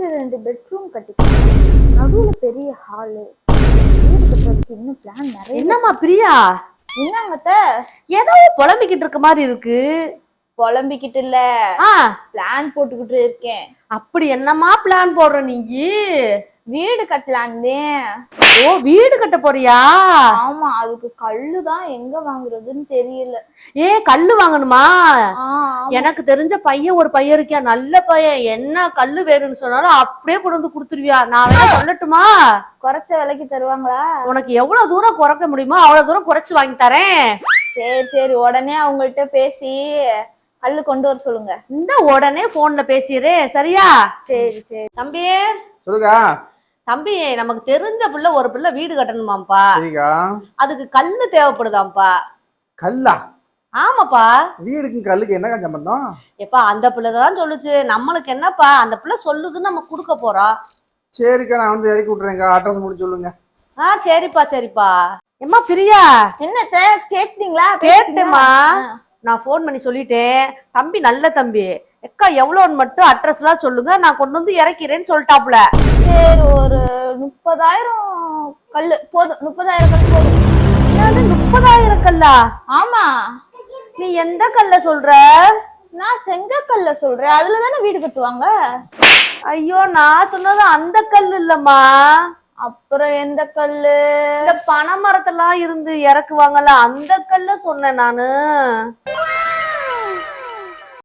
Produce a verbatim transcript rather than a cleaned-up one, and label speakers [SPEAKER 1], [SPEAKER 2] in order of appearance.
[SPEAKER 1] First ரெண்டு bedroom கட்டிக்கலாம், நடுவுல பெரிய ஹாலு, வீடு கட்டுறதுக்கு இன்னும் பிளான் நிறைய.
[SPEAKER 2] என்னம்மா பிரியா,
[SPEAKER 1] என்னங்கத்த
[SPEAKER 2] ஏதோ புலம்பிக்கிட்டு இருக்க மாதிரி இருக்கு?
[SPEAKER 1] புலம்பிக்கிட்டு இல்ல,
[SPEAKER 2] ஆ
[SPEAKER 1] பிளான் போட்டுக்கிட்டு இருக்கேன்.
[SPEAKER 2] அப்படி என்னம்மா பிளான் போடுற நீ?
[SPEAKER 1] வீடு கட்டலான்னு.
[SPEAKER 2] ஓ, வீடு கட்ட போறியா?
[SPEAKER 1] ஆமா, அதுக்கு கல்லுதான் எங்க வாங்குறதுன்னு தெரியல.
[SPEAKER 2] ஏ, கல்லு வாங்கணுமா?
[SPEAKER 1] ஆ,
[SPEAKER 2] எனக்கு தெரிஞ்ச பையன் ஒரு பையன் இருக்கியா, நல்ல பையன். என்ன கல்லு வேணும்னு சொன்னாலும் அப்படியே கொண்டு வந்து கொடுத்துருவியா? நான் வேணா சொல்லட்டுமா?
[SPEAKER 1] குறைச்ச விலைக்கு தருவாங்களா?
[SPEAKER 2] உனக்கு எவ்வளவு தூரம் குறைக்க முடியுமோ அவ்வளவு தூரம் குறைச்சு வாங்கி தரேன்.
[SPEAKER 1] சரி சரி, உடனே அவங்கள்ட்ட பேசி கல்லு கொண்டு வர சொல்லுங்க.
[SPEAKER 2] இந்த உடனே போன்ல பேசிடுறே, சரியா?
[SPEAKER 1] சரி சரி.
[SPEAKER 2] தம்பி
[SPEAKER 3] சொல்லுங்க.
[SPEAKER 2] தம்பி, நமக்கு தெரிஞ்ச பிள்ளை ஒரு பிள்ளை வீடு கட்டணுமாப்பா.
[SPEAKER 3] சரிக்கா.
[SPEAKER 2] அதுக்கு கல்லு தேவைப்படுதாம்ப்பா.
[SPEAKER 3] கல்லா?
[SPEAKER 2] ஆமாப்பா.
[SPEAKER 3] வீடுக்கும் கல்லுக்கு என்னக்கா சம்பந்தம்?
[SPEAKER 2] எப்பா, அந்த பிள்ளை தான் சொல்லுச்சு. நம்மளுக்கு என்னப்பா, அந்த பிள்ளை சொல்லுதுன்னு நம்ம கொடுக்க போறோம்.
[SPEAKER 3] சரிக்கா, நான் வந்து இறக்கி விட்டுறேன்க்கா. அட்ரஸ் முடிச்சு சொல்லுங்க.
[SPEAKER 2] ஆ சரிப்பா சரிப்பா. எம்மா பிரியா,
[SPEAKER 1] என்னத்த கேட்டீங்களா?
[SPEAKER 2] கேட்டேம்மா. நான் போன் பண்ணி சொல்லிட்டேன். தம்பி நல்ல தம்பி, எக்கா எவ்வளோன்னு மட்டும் அட்ரஸ் எல்லாம் சொல்லுங்க, நான் கொண்டு வந்து இறக்கிறேன்னு சொல்லிட்டாப்ல.
[SPEAKER 1] சரி, ஒரு முப்பதாயிரம் கல்லு போதும். முப்பதாயிரம் கல் போதும்.
[SPEAKER 2] என்னது முப்பதாயிரம் கல்லா?
[SPEAKER 1] ஆமா.
[SPEAKER 2] நீ எந்த கல்ல சொல்ற?
[SPEAKER 1] நான் செங்கக்கல்ல சொல்றேன், அதுலதானே வீடு கட்டுவாங்க.
[SPEAKER 2] ஐயோ, நான் சொன்னது அந்த கல் இல்லம்மா.
[SPEAKER 1] அப்புறம் எந்த கல்லு?
[SPEAKER 2] இந்த பனை மரத்தெல்லாம் இருந்து இறக்குவாங்கல்ல, அந்த கல்ல சொன்னேன் நானு.